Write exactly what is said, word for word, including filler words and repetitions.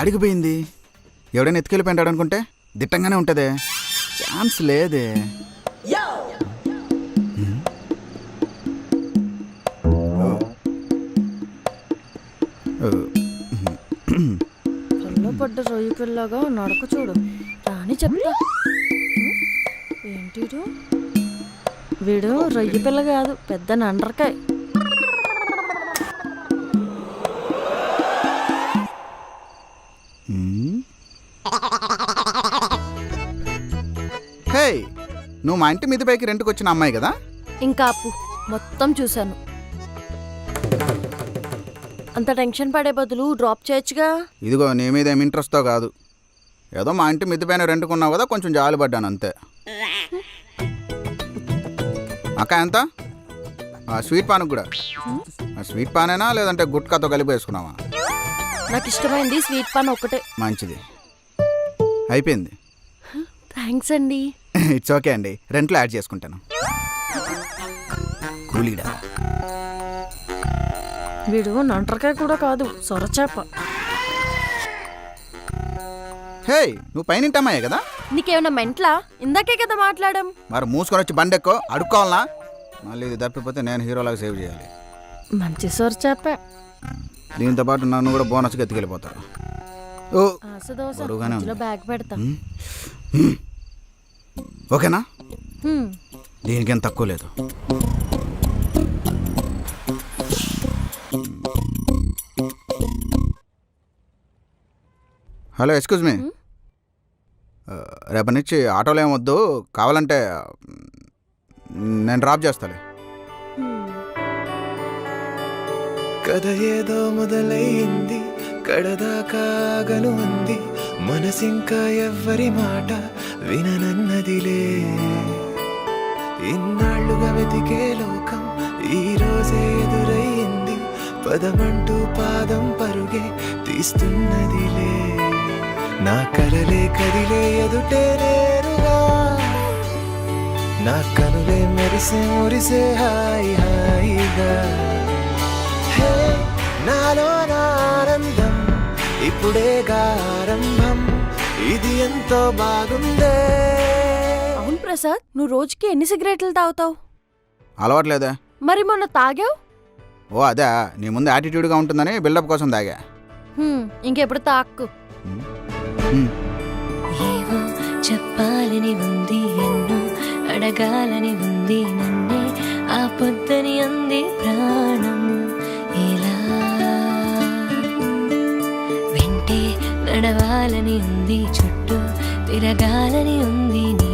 యాడికి పోయింది? ఎవడైనా ఎత్తుకెళ్ళిపోయింటాడు అనుకుంటే దిట్టంగానే ఉంటుందే, ఛాన్స్ లేదే. కళ్ళ పడ్డ రొయ్యి పిల్లగా నడక చూడు రాని చెప్తా. ఏంటి వీడు రొయ్యి పిల్ల కాదు, పెద్ద నండ్రకాయ. హే, నువ్వు మా ఇంటి మీద పైకి రెంట్కి వచ్చిన అమ్మాయి కదా? ఇంకా అప్పు మొత్తం చూశాను. అంత టెన్షన్ పడే బదులు డ్రాప్ చేయొచ్చుగా. ఇదిగో నీ మీద ఏమి ఇంట్రెస్ట్తో కాదు, ఏదో మా ఇంటి మిద్ది పైన రెంట్కున్నావు కదా, కొంచెం జాలి పడ్డాను అంతే. అక్క ఎంత? స్వీట్ పాన్ కూడా. స్వీట్ పానేనా లేదంటే గుట్కాతో కలిపి వేసుకున్నావా? నాకు ఇష్టమైంది స్వీట్ పాన్ ఒక్కటే. మంచిది, అయిపోయింది. థ్యాంక్స్ అండి. ఇట్స్ ఓకే అండి, రెంట్లో యాడ్ చేసుకుంటాను. కూలీడా వీడు నంటరకాయ కూడా కాదు, సొరచేప. హే, నువ్వు పైన అమ్మాయే కదా? నీకేమన్నా మెంట్లా? ఇందాకే కదా మాట్లాడాం. మరి మూసుకొని వచ్చి బండి ఎక్కువ అడుక్కోవాలనా? మళ్ళీ ఇది తప్పిపోతే నేను హీరోలాగా సేవ్ చేయాలి. మంచి సొరచేప. దీంతో పాటు నన్ను కూడా బోనస్కి ఎత్తుకెళ్ళిపోతారు. ఓ బరువుగానే ఉంది. బ్యాగ్ పెడతా. ఓకేనా? దీనికేం తక్కువ లేదు. Hello, excuse me. రేపటి నుంచి ఆటోలో ఏమొద్దు, కావాలంటే నేను డ్రాప్ చేస్తాలే. కథ ఏదో మొదలైంది, కడదాకాగను ఉంది, మనసింకా ఎవ్వరి మాట విననన్నదిలే. ఇన్నాళ్లుగా వెతికే లోకం ఈ రోజే ఎదురయ్యింది, పదమంటూ పాదం పరుగే తీస్తున్నదిలే. నా కలలే కదిలే ఎదుటే నేరుగా, నా కనులే మెరిసే మురిసే హాయి హాయిగా. హే, నాలో ఆనందం ఇప్పుడే ఆరంభం, ఇది ఎంతో బాగుందే. అవును ప్రసాద్, నువ్వు రోజుకి ఎన్ని సిగరెట్లు తాగుతావు? అలవాట్లేదా? మరి మొన్న తాగావు. ఓ అదే, నీ ముందు యాటిట్యూడ్గా ఉంటుందని బిల్డప్ కోసం తాగా. ఇంకెప్పుడు తాక్కు. ఏవో చెప్పాలని ఉంది, ఎన్నో అడగాలని ఉంది, నన్నే ఆ పొద్దని అంది ప్రాణం. ఇలా వెంటే నడవాలని ఉంది, చుట్టూ తిరగాలని ఉంది.